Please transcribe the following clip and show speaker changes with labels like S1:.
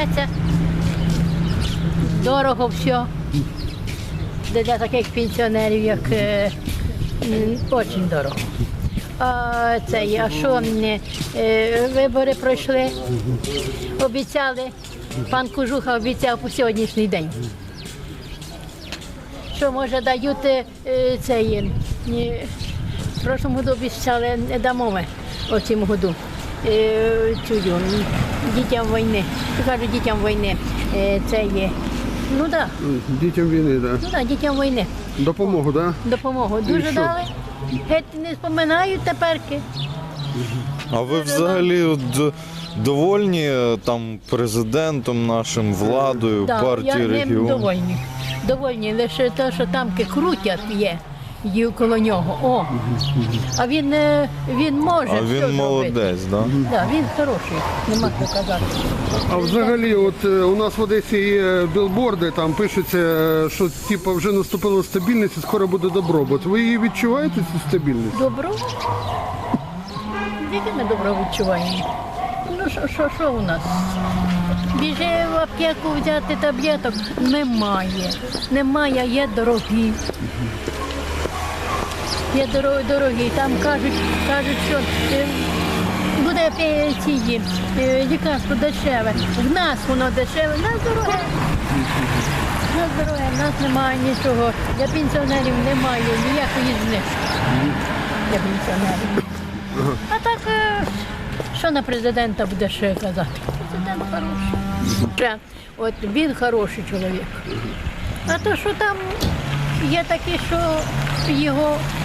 S1: живеться. Дорого все. Для таких пенсіонерів, як дуже дорого. А що вибори пройшли, обіцяли, пан Кожуха обіцяв по сьогоднішній день. Що, може, дають в прошлому году обіцяли, не дамо ми в цьому году дітям війни. Кажуть, дітям війни це є. Ну так.
S2: Дітям війни, так?
S1: Ну так, дітям війни.
S2: Допомогу, так?
S1: Допомогу. Дуже дали. Геть не споминають теперки.
S3: А ви взагалі довольні там президентом нашим, владою, партією регіону?
S1: Я довольні. Довольні лише те, що там крутять є коло нього. О. А він може.
S3: А він молодець, так?
S1: Так, він хороший, нема що казати.
S2: А взагалі, от у нас в Одесі є білборди, там пишеться, що типу, вже наступила стабільність і скоро буде добробут. Ви її відчуваєте, цю стабільність?
S1: Добро? Яке ми добро відчуваємо? Ну, що у нас? Біжи в аптеку взяти таблеток? Немає. Немає, є дорогі. Є дорогі. Там кажуть, що буде лікарство дешеве. В нас воно дешеве, в нас дороге. В нас немає нічого. Для пенсіонерів немає ніякої знижки. Для пенсіонерів. А так, що на президента буде ще казати? Президент хороший. От він хороший чоловік. А то, що там є такі, що його